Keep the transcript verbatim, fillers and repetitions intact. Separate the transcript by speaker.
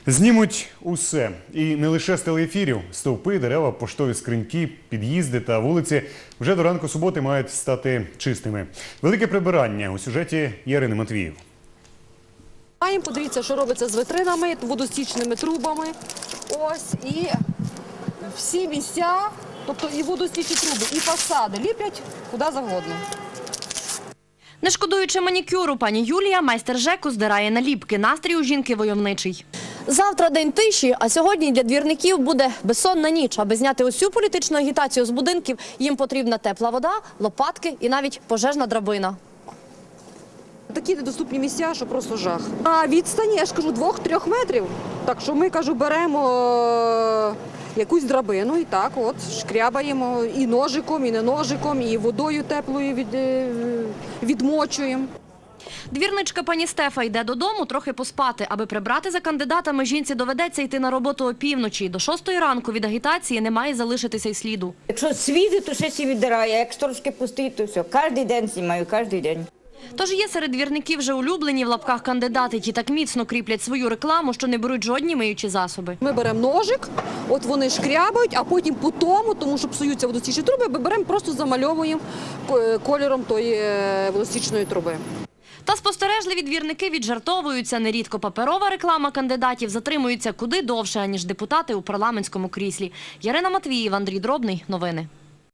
Speaker 1: Знімуть усе. І не лише з телеефірів. Стовпи, дерева, поштові скриньки, під'їзди та вулиці вже до ранку суботи мають стати чистими. Велике прибирання у сюжеті Ярини Матвіїв.
Speaker 2: Маємо, подивіться, що робиться з витринами, водостічними трубами. Ось, і всі місця, тобто і водостічні труби, і фасади ліплять куди завгодно.
Speaker 3: Не шкодуючи манікюру, пані Юлія, майстер ЖЕКу, здирає наліпки. Настрій у жінки войовничий.
Speaker 4: Завтра день тиші, а сьогодні для двірників буде безсонна ніч. Аби зняти усю політичну агітацію з будинків, їм потрібна тепла вода, лопатки і навіть пожежна драбина.
Speaker 2: Такі недоступні місця, що просто жах. А відстані, я ж кажу, двох-трьох метрів. Так що ми, кажу, беремо е, якусь драбину і так от шкрябаємо і ножиком, і не ножиком, і водою теплою від, е, відмочуємо.
Speaker 3: Двірничка пані Стефа йде додому трохи поспати. Аби прибрати за кандидатами, жінці доведеться йти на роботу опівночі. До шостої ранку від агітації не має залишитися й сліду.
Speaker 5: Якщо світить, то ще сі віддирає, як трошки пустить, то все. Кожен день знімаю, кожен день.
Speaker 3: Тож є серед двірників вже улюблені в лапках кандидати, ті так міцно кріплять свою рекламу, що не беруть жодні миючі засоби.
Speaker 2: Ми беремо ножик, от вони шкрябають, а потім по тому, тому що псуються водостічні труби, ми беремо, просто замальовуємо кольором тої водостічної труби.
Speaker 3: Та спостережливі двірники віджартовуються. Нерідко паперова реклама кандидатів затримується куди довше, аніж депутати у парламентському кріслі. Ярина Матвіїв, Андрій Дробний. Новини.